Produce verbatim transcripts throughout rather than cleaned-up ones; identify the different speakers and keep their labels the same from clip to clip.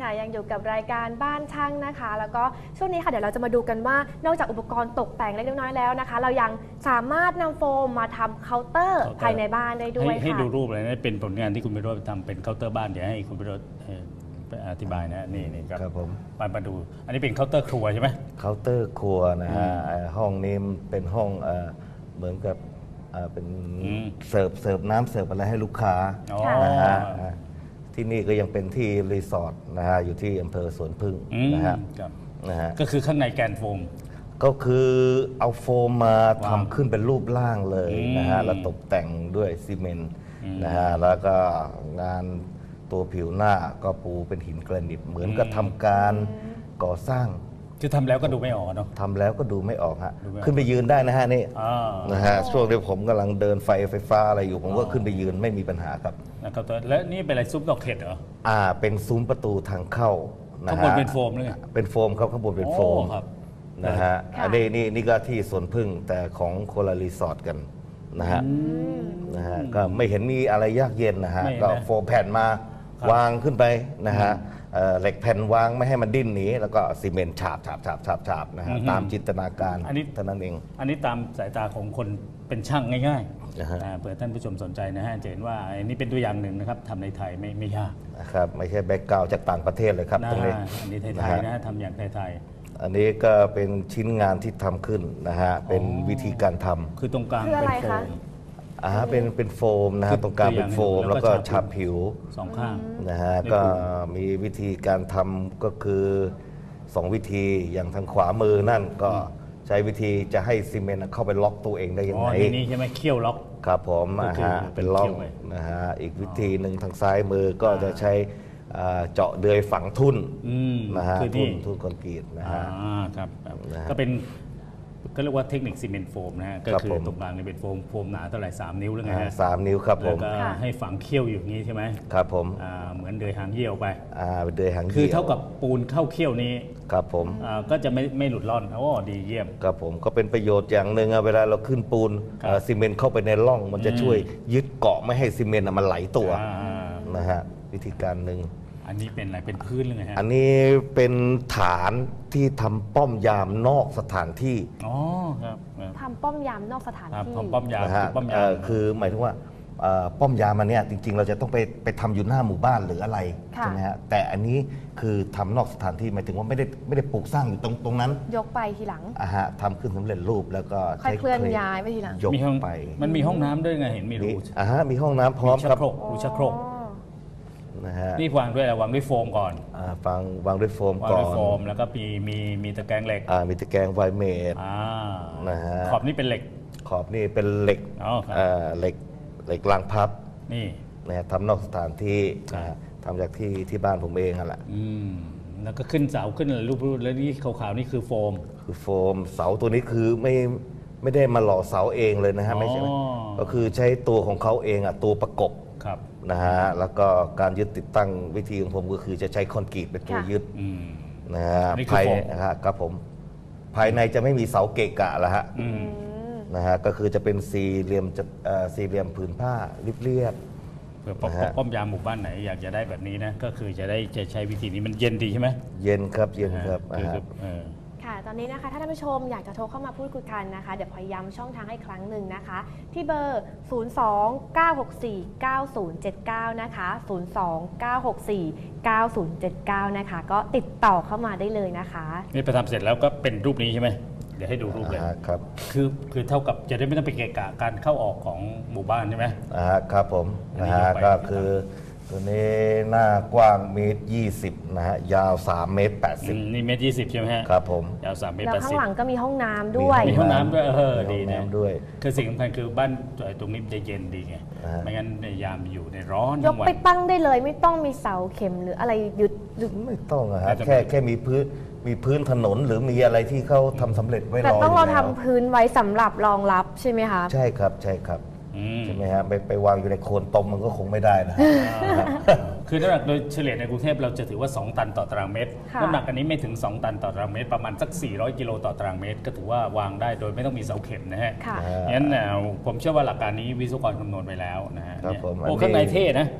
Speaker 1: ค่ะยังอยู่กับรายการบ้านช่างนะคะแล้วก็ช่วงนี้ค่ะเดี๋ยวเราจะมาดูกันว่านอกจากอุปกรณ์ตกแต่งเล็กน้อยแล้วนะคะเรายังสามารถนำโฟมมาทำเคาน์เตอร์ภายในบ้านได้ด้วยค่ะให้
Speaker 2: ดูรูปเลยนะเป็นผลงานที่คุณพิโรจน์ทำเป็นเคาน์เตอร์บ้านเดี๋ยวให้คุณพิโรจน์อธิบายนะนี่นี่ครับ
Speaker 3: ผม
Speaker 2: มามาดูอันนี้เป็นเคาน์เตอร์ครัวใช่ไหม
Speaker 3: เคาน์เตอร์ครัวนะฮะห้องนี้เป็นห้องเหมือนกับเป็นเสิร์ฟเสิร์ฟน้ำเสิร์ฟอะไรให้ลูกค้านะฮะที่นี่ก็ยังเป็นที่รีสอร์ทนะฮะอยู่ที่อำเภอสวนพึ่งนะฮะ
Speaker 2: นะฮะก็คือข้างในแกนโฟม
Speaker 3: ก็คือเอาโฟมมาทำขึ้นเป็นรูปร่างเลยนะฮะแล้วตกแต่งด้วยซีเมนต์นะฮะแล้วก็งานตัวผิวหน้าก็ปูเป็นหินแกรนิตเหมือนกับทำการก่อสร้าง
Speaker 2: คือทำแล้วก็ดูไม่ออกเนาะ
Speaker 3: ทำแล้วก็ดูไม่ออกฮะขึ้นไปยืนได้นะฮะนี่นะฮะช่วงที่ผมกำลังเดินไฟไฟฟ้าอะไรอยู่ผมก็ขึ้นไปยืนไม่มีปัญหาครับ
Speaker 2: นะครับและนี่เป็นอะไรซุ้มดอกเห็ดเหรอ
Speaker 3: อ่าเป็นซุ้มประตูทางเข้า
Speaker 2: นะฮะข้างบนเป็นโฟมเลย
Speaker 3: เป็นโฟมครับข้างบนเป็นโฟมนะฮะอันนี้นี่นี่ก็ที่สวนพึ่งแต่ของโคลารีสอร์ทกันนะฮะนะฮะก็ไม่เห็นมีอะไรยากเย็นนะฮะก็โฟมแผ่นมาวางขึ้นไปนะฮะเหล็กแผ่นวางไม่ให้มันดิ้นหนีแล้วก็ซีเมนต์ฉาบฉาบฉาบฉาบฉาบนะฮะตามจินตนาการ
Speaker 2: อันนี้
Speaker 3: เท่านั้นเอง
Speaker 2: อันนี้ตามสายตาของคนเป็นช่างง่ายๆเผื่อท่านผู้ชมสนใจนะฮะจะเห็นว่าอันนี้เป็นตัวอย่างหนึ่งนะครับทำในไทยไม่ไม่ยาก
Speaker 3: นะครับไม่ใช่แบ็กกราวด์จากต่างประเทศเลยครับตรงนี้
Speaker 2: อันนี้ไทยๆนะทำอย่างไทย
Speaker 3: ๆอันนี้ก็เป็นชิ้นงานที่ทำขึ้นนะฮะเป็นวิธีการทำ
Speaker 2: คือตรงกลางเป็นโฟม
Speaker 3: อ่าเป็นเป็นโฟมนะฮะตรงกลางเป็นโฟมแล้วก็ฉาบผิว
Speaker 2: สองข้าง
Speaker 3: นะฮะก็มีวิธีการทำก็คือสองวิธีอย่างทางขวามือนั่นก็ใช้วิธีจะให้ซีเมนต์เข้าไปล็อกตัวเองได้ยังไง
Speaker 2: นี่ใช่ไหมเขี้ยวล็อก
Speaker 3: ครับผมนะฮะเป็นล็อกนะฮะอีกวิธีหนึ่งทางซ้ายมือก็จะใช้เจาะเดือยฝังทุ่นนะฮะทุ่นทุ่นคอนกรีตนะฮะ
Speaker 2: ครับก็เป็นก็เรียกว่าเทคนิคซีเมนต์โฟมนะฮะก็คือตรงกลางนี่เป็นโฟมโฟมหนาเท่าไหร่สามนิ้วหรือไงฮะ
Speaker 3: สามนิ้วครับผม
Speaker 2: แล้วก็ให้ฝังเขี้ยวอยู่นี้ใช่ไหม
Speaker 3: ครับผม
Speaker 2: เหมือนเดือยหางเหี้ยวไป
Speaker 3: อ่าเดือยหางเหี้ยว
Speaker 2: คือเท่ากับปูนเข้าเขี้ยวนี้
Speaker 3: ครับผม
Speaker 2: ก็จะไม่ไม่หลุดร่อนโอ้ดีเยี่ยม
Speaker 3: ครับผมก็เป็นประโยชน์อย่างหนึ่งเวลาเราขึ้นปูนซีเมนต์เข้าไปในร่องมันจะช่วยยึดเกาะไม่ให้ซีเมนต์มันไหลตัวนะฮะวิธีการหนึ่ง
Speaker 2: อันนี้เป็นอะไรเป็นพื้นหรือไงฮะ
Speaker 3: อันนี้เป็นฐานที่ทำป้อมยามนอกสถานที่
Speaker 2: อ๋อครับ
Speaker 1: ทำป้อมยามนอกสถานที่
Speaker 2: ป้อมยาม
Speaker 3: นะฮะคือหมายถึงว่าป้อมยามมันเนี่ยจริงๆเราจะต้องไปไปทำอยู่หน้าหมู่บ้านหรืออะไรใช่ไหมฮะแต่อันนี้คือทำนอกสถานที่หมายถึงว่าไม่ได้ไม่ได้ปลูกสร้างอยู่ตรงตรงนั้น
Speaker 1: ยกไปทีหลัง
Speaker 3: อ่าฮะทำขึ้นสำเร็จรูปแล้วก็
Speaker 1: ใช้เคลื่อนย้ายไปทีหลัง
Speaker 3: ยกไป
Speaker 2: มันมีห้องน้ำด้วยไงเห็นมีรู
Speaker 3: อ่าฮะมีห้องน้ำพร้อมครับ
Speaker 2: รูชักโครก
Speaker 3: นะฮะ
Speaker 2: นี่วางด้วยอะไรวางด้วยโฟมก่อน
Speaker 3: อ่าฟังวางด้วยโฟมก่อน
Speaker 2: โฟมแล้วก็มีมีมีตะแกรงเหล็ก
Speaker 3: อ่ามีตะแกรงไวเมด
Speaker 2: อ่า
Speaker 3: นะฮะ
Speaker 2: ขอบนี่เป็นเหล็ก
Speaker 3: ขอบนี่เป็นเหล็ก
Speaker 2: อ๋อ
Speaker 3: อ่าเหล็กเหล็กรางพับ
Speaker 2: นี่
Speaker 3: นะฮะทำนอกสถานที่ทำจากที่ที่บ้านผมเองนั่นแหละ
Speaker 2: อืมแล้วก็ขึ้นเสาขึ้นรูปแล้วนี่ขาวๆนี่คือโฟม
Speaker 3: คือโฟมเสาตัวนี้คือไม่ไม่ได้มาหล่อเสาเองเลยนะฮะไม่ใช่ก็คือใช้ตัวของเขาเองอ่ะตัวประกบนะฮะแล้วก็การยึดติดตั้งวิธีของผมก็คือจะใช้คอนกรีตเป็นตัวยึดนะฮะภายนะฮะครับผมภายในจะไม่มีเสาเกะกะแล้วฮะนะฮะก็คือจะเป็นสี่เหลี่ยมจะสี่เหลี่ยมผืนผ้าเรียบ
Speaker 2: ๆเพื่อป้อมยามหมู่บ้านไหนอยากจะได้แบบนี้นะก็คือจะได้จะใช้วิธีนี้มันเย็นดีใช่ไหม
Speaker 3: เย็นครับเย็นครับ
Speaker 1: ค่ะตอนนี้นะคะถ้าท่านผู้ชมอยากจะโทรเข้ามาพูดคุยกันนะคะเดี๋ยวพยายามช่องทางให้ครั้งหนึ่งนะคะที่เบอร์ ศูนย์ สอง เก้า หก สี่ เก้า ศูนย์ เจ็ด เก้า นะคะ ศูนย์ สอง เก้า หก สี่ เก้า ศูนย์ เจ็ด เก้า นะคะก็ติดต่อเข้ามาได้เลยนะคะ
Speaker 2: นี่ไปทำเสร็จแล้วก็เป็นรูปนี้ใช่ไหมเดี๋ยวให้ดูรูปเลย
Speaker 3: ครับ
Speaker 2: คือคือเท่ากับจะได้ไม่ต้องไปเกะกะการเข้าออกของหมู่บ้านใช่ไหม
Speaker 3: อ่าครับผมนะฮะก็คือตัวนี้หน้ากว้างเมตรยี่สิบนะฮะยาวสามเมตรแปดสิบ
Speaker 2: นี่เมตรยี่สิบใช่ไหมฮะ
Speaker 3: ครับผม
Speaker 2: ยาวสามเมตร
Speaker 1: แปดสิบแล้วข้างหลังก็มีห้องน้ำด้
Speaker 2: วยมีห้องน้ำด้วยเออดีนะ
Speaker 3: ด้วย
Speaker 2: คือสิ่งสำคัญคือบ้านตรงนี้จะเย็นดีไงไม่งั้นในยามอยู่ในร้อน
Speaker 1: ยกไปตั้งได้เลยไม่ต้องมีเสาเข็มหรืออะไรยึด
Speaker 3: ไม่ต้องอะฮะแค่แค่มีพื้นมีพื้นถนนหรือมีอะไรที่เขาทำสำเร็จไว้รอ
Speaker 1: แต่ต้องเราทำพื้นไว้สำหรับรองรับใช่ไหมคะ
Speaker 3: ใช่ครับใช่ครับใช่ไหมฮะไปไปวางอยู่ในโคนตมมันก็คงไม่ได้นะ
Speaker 2: คือน้ำหนักโดยเฉลี่ยในกรุงเทพเราจะถือว่าสองตันต่อตารางเมตรน้ำหนักอันนี้ไม่ถึงสองตันต่อตารางเมตรประมาณสักสี่ร้อยกิโลต่อตารางเมตรก็ถือว่าวางได้โดยไม่ต้องมีเสาเข็มนะฮะงั้นผมเชื่อว่าหลักการนี้วิศวกรคำนวณไปแล้วนะฮะโอ้ข้างในเท่นะ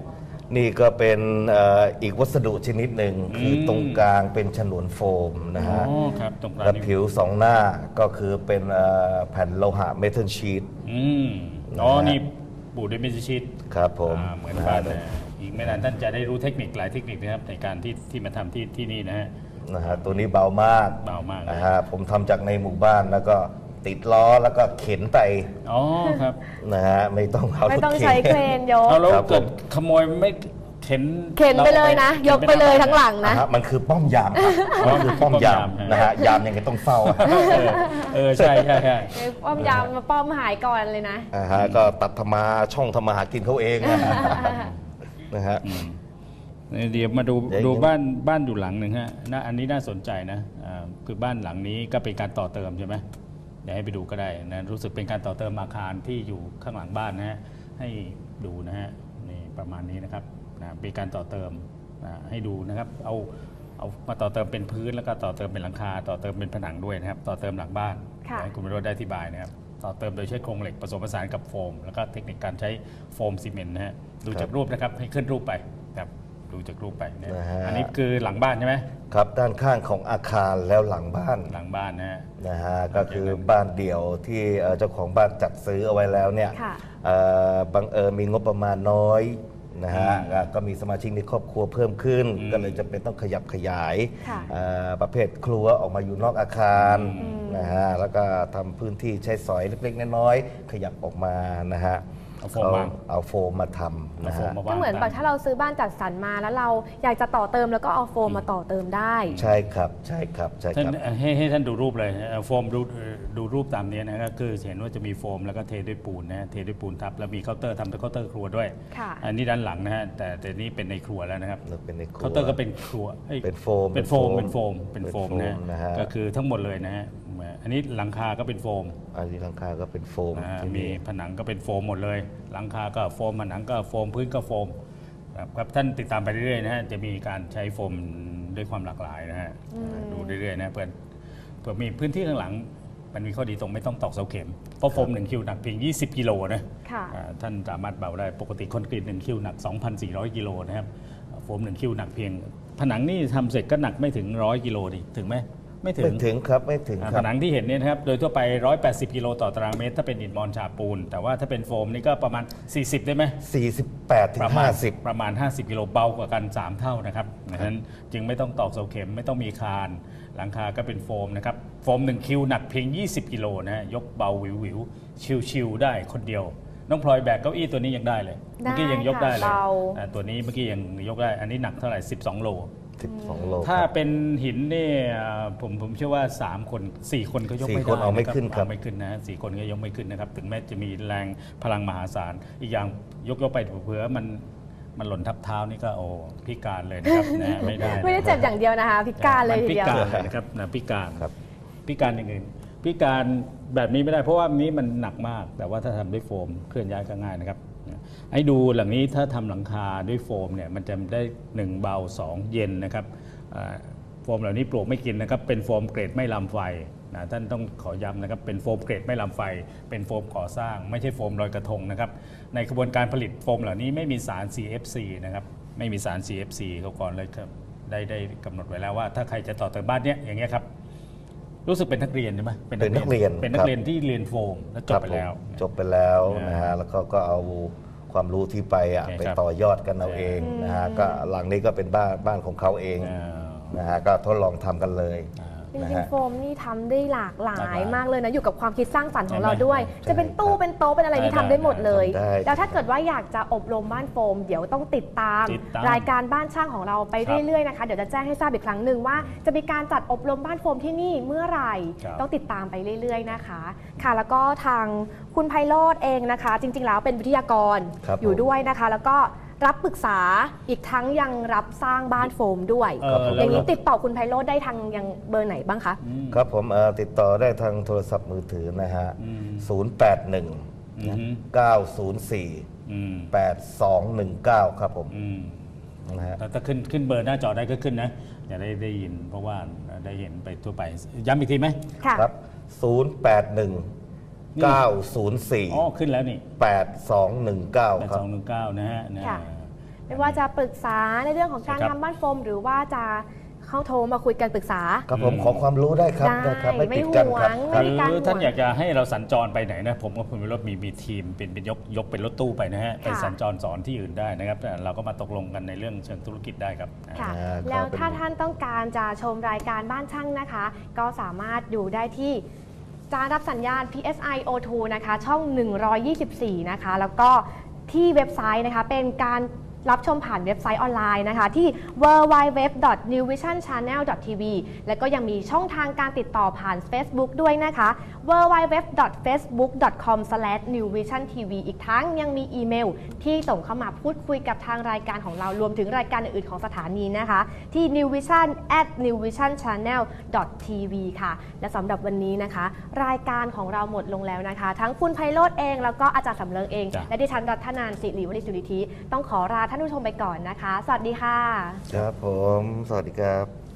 Speaker 3: นี่ก็เป็นเอ่ออีกวัสดุชนิดหนึ่ง
Speaker 2: อืม
Speaker 3: คือตรงกลางเป็นฉนวนโฟมนะ
Speaker 2: อ๋อ
Speaker 3: ฮะ
Speaker 2: ครับตรงกลาง
Speaker 3: และ
Speaker 2: นี่
Speaker 3: ผิวสองหน้าก็คือเป็นเอ่อแผ่นโลหะเมทัลชีต
Speaker 2: อืมอ๋อนี่ปูด้วยเมจิชิต
Speaker 3: ครับผม
Speaker 2: อ่าเหมือนกัน
Speaker 3: นะ
Speaker 2: นะอีกไม่นานท่านจะได้รู้เทคนิคหลายเทคนิคนะครับในการที่ที่มาทำที่ที่นี่นะฮะ
Speaker 3: นะฮะตัวนี้เบามาก
Speaker 2: เบามาก
Speaker 3: นะฮะผมทำจากในหมู่บ้านแล้วก็ติดล้อแล้วก็เข็นไป
Speaker 2: อ๋อครับ
Speaker 3: นะฮะไม่ต้องเอา
Speaker 1: ไม่ต้อง
Speaker 3: รถข็น
Speaker 1: ใช้เครนยก
Speaker 2: เอาแล้ว
Speaker 3: ครับผม
Speaker 2: เกิดขโมยไม่เข็น
Speaker 1: เข็นไปเลยนะ ยกไปเลยทั้งหลัง
Speaker 3: นะ
Speaker 1: นะ
Speaker 3: ฮะมันคือป้อมยามครับมันคือป้อมยามนะฮะยามยังไงต้องเฝ้าอะ
Speaker 2: เออเออใช่ใช่ใช่
Speaker 1: ป้อมยามมาป้อมหายก่อนเลยนะ
Speaker 3: อ่าฮะก็ตัดธรรมาช่องธรรมาหากินเขาเองนะฮะนะฮะ
Speaker 2: เดี๋ยวมาดู
Speaker 3: เดี๋ยว
Speaker 2: ดูบ้านบ้านอยู่หลังหนึ่งฮะนะอันนี้น่าสนใจนะอ่าคือบ้านหลังนี้ก็เป็นการต่อเติมใช่ไหมเดี๋ยวให้ไปดูก็ได้นะรู้สึกเป็นการต่อเติมอาคารที่อยู่ข้างหลังบ้านนะฮะให้ดูนะฮะนี่ประมาณนี้นะครับนะเป็นการต่อเติมนะให้ดูนะครับเอาเอามาต่อเติมเป็นพื้นแล้วก็ต่อเติมเป็นหลังคา ต่อเติมเป็นผนังด้วยนะครับต่อเติมหลังบ้าน
Speaker 1: ค่ะ
Speaker 2: ให้คุณวิโรจน์ได้อธิบายนะครับต่อเติมโดยใช้โครงเหล็กผสมผสานกับโฟม แล้วก็เทคนิคการใช้โฟมซีเมนต์นะฮะดูจากรูปนะครับให้ขึ้นรูปไปครับดูจากรูปไปนะ
Speaker 3: นะฮะ
Speaker 2: อันนี้คือหลังบ้านใช่ไหม
Speaker 3: ครับด้านข้างของอาคารแล้วหลังบ้าน
Speaker 2: หลังบ้านนะฮะ
Speaker 3: นะฮะก็คือบ้านเดี่ยวที่เอ่อเจ้าของบ้านจัดซื้อเอาไว้แล้วเนี่ย
Speaker 1: ค่ะ
Speaker 3: เอ่อบังเอิญมีงบประมาณน้อยนะฮะ
Speaker 2: อืม
Speaker 3: อ่ะก็มีสมาชิกในครอบครัวเพิ่มขึ้น
Speaker 2: อืม
Speaker 3: ก็เลยจะเป็นต้องขยับขยาย
Speaker 1: ค่ะ
Speaker 3: เอ่อประเภทครัวออกมาอยู่นอกอาคาร
Speaker 2: อืม
Speaker 3: นะฮะแล้วก็ทำพื้นที่ใช้สอยเล็กๆน้อยๆขยับออกมานะฮะ
Speaker 2: เอาโฟมวาง
Speaker 3: เอาโฟมมาทำ
Speaker 2: เอา
Speaker 3: นะ
Speaker 2: โฟม
Speaker 3: ฮะ
Speaker 2: มา
Speaker 1: ก็
Speaker 2: วาง
Speaker 1: เหมือนแบบถ้าเราซื้อบ้านจัดสรรมาแล้วเราอยากจะต่อเติมแล้วก็เอาโฟมมาต่อเติมได้
Speaker 3: ใช่ครับใช่ครับใช่
Speaker 2: ท่าน
Speaker 3: ครับ
Speaker 2: ให้ให้ท่านดูรูปเลยเอาโฟมดูดูรูปตามนี้นะก็คือเห็นว่าจะมีโฟมแล้วก็เทด้วยปูนนะเทด้วยปูนทับแล้วมีเคาน์เตอร์ทำเป็นเคาน์เตอร์ครัวด้วย
Speaker 1: ค่ะ
Speaker 2: อันนี้ด้านหลังนะฮะแต่แต่นี่เป็นในครัวแล้วนะครับ
Speaker 3: แล้วเป็นในครัว
Speaker 2: เคาน์เตอร์ก็เป็นครัวอ้ย
Speaker 3: เป็นโฟม
Speaker 2: เป็นโฟม
Speaker 3: เป็
Speaker 2: เป็น
Speaker 3: น
Speaker 2: โฟ
Speaker 3: โฟ
Speaker 2: ม
Speaker 3: ม
Speaker 2: เป็นโฟม
Speaker 3: เป็นโฟม
Speaker 2: นะ
Speaker 3: นะฮะ
Speaker 2: ก็คือทั้งหมดเลยนะฮะอันนี้หลังคาก็เป็นโฟม
Speaker 3: อันนี้หลังคาก็เป็นโฟม
Speaker 2: นะฮะ
Speaker 3: ที่
Speaker 2: มีผนังก็เป็นโฟมหมดเลย หลังคาก็โฟมผนังก็โฟมพื้นก็โฟมครับครับท่านติดตามไปเรื่อยๆนะฮะจะมีการใช้โฟมด้วยความหลากหลายนะฮะดูเรื่อยๆนะเพื่อนเพื่อมีพื้นที่ข้างหลังมันมีข้อดีตรงไม่ต้องตอกเสาเข็มเพราะโฟมหนึ่งคิวหนักเพียงยี่สิบกิโลนะ
Speaker 1: ค่ะ
Speaker 2: อ่าท่านสามารถเบาได้ปกติคอนกรีตหนึ่งคิวหนัก สองพันสี่ร้อย กิโลนะครับโฟมหนึ่งคิวหนักเพียง ผนังนี่ทำเสร็จก็หนักไม่ถึงร้อยกิโลดิถึงไหมไม่ถึ
Speaker 3: ไม่
Speaker 2: ง
Speaker 3: ถึงครับไม่ถึง
Speaker 2: อ่า
Speaker 3: ค
Speaker 2: ผ
Speaker 3: รับ
Speaker 2: นังที่เห็นเนี่ยนะครับโดยทั่วไปหนึ่งร้อยแปดสิบกิโลต่อตารางเมตรถ้าเป็นอิฐมอนฉาบปูน แต่ว่าถ้าเป็นโฟมนี่ก็ประมาณ สี่สิบ ได้ไหม
Speaker 3: สี่สิบแปดถึ
Speaker 2: ป
Speaker 3: ง
Speaker 2: ระมา
Speaker 3: ห้า
Speaker 2: ณ
Speaker 3: สิบ
Speaker 2: ประมาณ ห้าสิบ กิโลเบากว่ากัน สาม เท่านะครับดังนั้นจึงไม่ต้องตอกเสาเข็มไม่ต้องมีคาน หลังคาก็เป็นโฟมนะครับโฟมหนึ่งคิวหนักเพียง ยี่สิบ กิโลนะฮะยกเบาวิววิวชิวๆได้คนเดียวน้องพลอยแบกเก้าอี้ตัวนี้ยังได้เลย
Speaker 1: ได้
Speaker 2: เมื่อกี้ยังยกได้เลย
Speaker 1: ค่ะเบา
Speaker 2: อ่าตัวนี้เมื่อกี้ยังยกได้อันนี้หนักเท่าไหร่สิบสองโล
Speaker 3: สิบสองโล
Speaker 2: ถ้า
Speaker 3: ครับ
Speaker 2: เป็นหินเนี่ยผมผมเชื่อว่า สาม คน สี่ คนก็ยก
Speaker 3: สี่
Speaker 2: ไม่ได้
Speaker 3: คนเอาไม่
Speaker 2: ะ
Speaker 3: ขึ้นครับ
Speaker 2: เอาไม่ขึ้นนะสี่คนก็ยกไม่ขึ้นนะครับถึงแม้จะมีแรงพลังมหาศาลอีกอย่างยกยกไปเผื่อมันมันหล่นทับเท้านี่ก็โอ้พิการเลยนะครับ นะไม่ได้
Speaker 1: ไม่ได้เจ็บอย่างเดียวนะคะ พิการเลย
Speaker 2: มัน
Speaker 1: ที
Speaker 2: พิ
Speaker 1: เดียว
Speaker 2: การเลยนะครับนะพิการ
Speaker 3: ครับ
Speaker 2: พิการอย่างอื่นพิการแบบนี้ไม่ได้เพราะว่านี้มันหนักมาก แต่ว่าถ้าทำด้วยโฟมเคลื่อนย้ายก็ง่ายนะครับให้ดูหลังนี้ถ้าทำหลังคาด้วยโฟมเนี่ยมันจะได้หนึ่งเบาสองเย็นนะครับอ่าโฟมเหล่านี้ปลวกไม่กินนะครับเป็นโฟมเกรดไม่ลามไฟนะท่านต้องขอย้ำนะครับเป็นโฟมเกรดไม่ลามไฟ เป็นโฟมก่อสร้าง ไม่ใช่โฟมลอยกระทงนะครับในกระบวนการผลิตโฟมเหล่านี้ไม่มีสาร ซี เอฟ ซี นะครับไม่มีสาร ซี เอฟ ซี เขาก่อนเลยครับได้ได้กำหนดไว้แล้วว่าถ้าใครจะต่อเติมบ้านเนี้ยอย่างเงี้ยครับรู้สึกเป็นนักเรียนใช่ไหม
Speaker 3: เป็นนักเรียน
Speaker 2: เป็นนั
Speaker 3: ค
Speaker 2: ก
Speaker 3: รับ
Speaker 2: เรียนที่เรียนโฟมแล้วจบไปแล้ว
Speaker 3: ครับผมจบไปแล้ว
Speaker 2: นะ
Speaker 3: นะฮะแล้วก็ก็เอาความรู้ที่ไปอ่ะ
Speaker 2: โอเค
Speaker 3: ไป
Speaker 2: ครับ
Speaker 3: ต่อยอดกันเอาเองนะฮะก็หลังนี้ก็เป็นบ้านบ้านของเขาเอง
Speaker 2: อ่า
Speaker 3: นะฮะก็ทดลองทำกันเลย
Speaker 1: จริ
Speaker 3: นะ
Speaker 1: ง
Speaker 3: ฮะ
Speaker 1: ๆโฟมนี่ทำได้หลากหลา
Speaker 2: หลากหลาย ย
Speaker 1: มากเลยนะ อยู่กับความคิดสร้างสรรค์ของเรา
Speaker 2: ใช่ไหม
Speaker 1: ด้วย
Speaker 3: ใช่
Speaker 1: จะเป็นตู้
Speaker 3: ครับ
Speaker 1: เป็นโต๊ะเป็นอะไรนี่
Speaker 2: ได้
Speaker 1: ทำได้หมดเลย
Speaker 3: ได้
Speaker 1: แล้วถ้าเกิดว่าอยากจะอบรมบ้านโฟม เดี๋ยวต้องติดตาม
Speaker 2: ติดตาม
Speaker 1: รายการบ้านช่างของเราไป
Speaker 2: ครับ
Speaker 1: เรื่อยๆนะคะเดี๋ยวจะแจ้งให้ทราบอีกครั้งหนึ่งว่าจะมีการจัดอบรมบ้านโฟมที่นี่เมื่อไหร่
Speaker 2: ครับ
Speaker 1: ต้องติดตามไปเรื่อยๆนะคะค่ะแล้วก็ทางคุณไพโรจน์เองนะคะ จริงๆแล้วเป็นวิทยากร
Speaker 3: ครับ
Speaker 1: อยู่
Speaker 3: ผม
Speaker 1: ด้วยนะคะ แล้วก็รับปรึกษาอีกทั้งยังรับสร้างบ้านโฟมด้วย
Speaker 2: เออ
Speaker 1: อ
Speaker 2: แล้ว
Speaker 1: ย่างนี้
Speaker 2: แล้ว
Speaker 1: ติดต่อคุณไพโรจน์ได้ทางยังเบอร์ไหนบ้างคะ
Speaker 3: ครับผมเอ่อติดต่อได้ทางโทรศัพท์มือถือนะฮะ
Speaker 2: อืม
Speaker 3: ศูนย์ แปด หนึ่ง
Speaker 2: อืม
Speaker 3: เก้า ศูนย์ สี่
Speaker 2: อืม
Speaker 3: แปด สอง หนึ่ง เก้า ครับผม
Speaker 2: อืม
Speaker 3: นะฮะ
Speaker 2: แล้วถ้าขึ้นขึ้นเบอร์หน้าจอได้ก็ขึ้นนะอย่าได้ได้ยิน เพราะว่าได้เห็นไปทั่วไปย้ำอีกทีไหม
Speaker 1: ค่ะ
Speaker 3: ครับ ศูนย์ แปด หนึ่ง เก้า ศูนย์ สี่
Speaker 2: อ๋อขึ้นแล้วนี่
Speaker 3: แปด สอง หนึ่ง เก้า
Speaker 2: แปด
Speaker 3: ครั
Speaker 2: ส
Speaker 3: บ
Speaker 2: องหนึ่งเก้านะฮะนะ
Speaker 1: ค่ะไม่ว่าจะปรึกษาในเรื่องของการ
Speaker 2: ใช่ครับ
Speaker 1: ทำบ้านโฟมหรือว่าจะเข้าโทรมาคุยกันปรึกษา
Speaker 3: ครับผมขอความรู้ได้ครับ
Speaker 1: ได้
Speaker 3: ครับ
Speaker 1: ไม่
Speaker 3: ไม่ปิดกันครับ
Speaker 1: ห่วง
Speaker 3: ครับ
Speaker 1: ไม่ การ
Speaker 2: หรือท่าน
Speaker 1: ห่วง
Speaker 2: อยากจะให้เราสัญจรไปไหนนะผมกับคุณวิโรจน์มีมีทีมเป็นเป็นยกยกเป็นรถตู้ไปนะฮะไป
Speaker 1: ค่ะ
Speaker 2: สัญจรสอนที่อื่นได้นะครับแต่เราก็มาตกลงกันในเรื่องเชิงธุรกิจได้ครับ
Speaker 1: ค่ะ
Speaker 3: อ่า
Speaker 1: แล้ว
Speaker 3: ก็เป็น
Speaker 1: ถ้าท่านต้องการจะชมรายการบ้านช่างนะคะ ก็สามารถดูได้ที่จานรับสัญญาณ พี เอส ไอ โอ ทู นะคะ ช่อง หนึ่งร้อยยี่สิบสี่ นะคะ แล้วก็ที่เว็บไซต์นะคะ เป็นการรับชมผ่านเว็บไซต์ออนไลน์นะคะ ที่ ดับเบิลยู ดับเบิลยู ดับเบิลยู ดอท นิว วิชั่น ชาแนล ดอท ที วี แล้วก็ยังมีช่องทางการติดต่อผ่าน Facebook ด้วยนะคะ ดับเบิลยู ดับเบิลยู ดับเบิลยู ดอท เฟซบุ๊ก ดอท คอม สแลช นิว วิชั่น ที วี อีกทั้งยังมีอีเมลที่ส่งเข้ามาพูดคุยกับทางรายการของเรารวมถึงรายการอื่นๆของสถานีนะคะ ที่ นิว วิชั่น แอท นิว วิชั่น ชาแนล ดอท ที วี ค่ะ และสำหรับวันนี้นะคะ รายการของเราหมดลงแล้วนะคะ ทั้งคุณไพโรจน์เองแล้วก็อาจารย์สำเริงเอง
Speaker 2: จ้ะ
Speaker 1: และดิฉันรัตนานสิริวณิสุริธิต้องขอลาท่านผู้ชมไปก่อนนะคะ สวัสดีค่ะ
Speaker 3: ครับผม สวัสดีครับ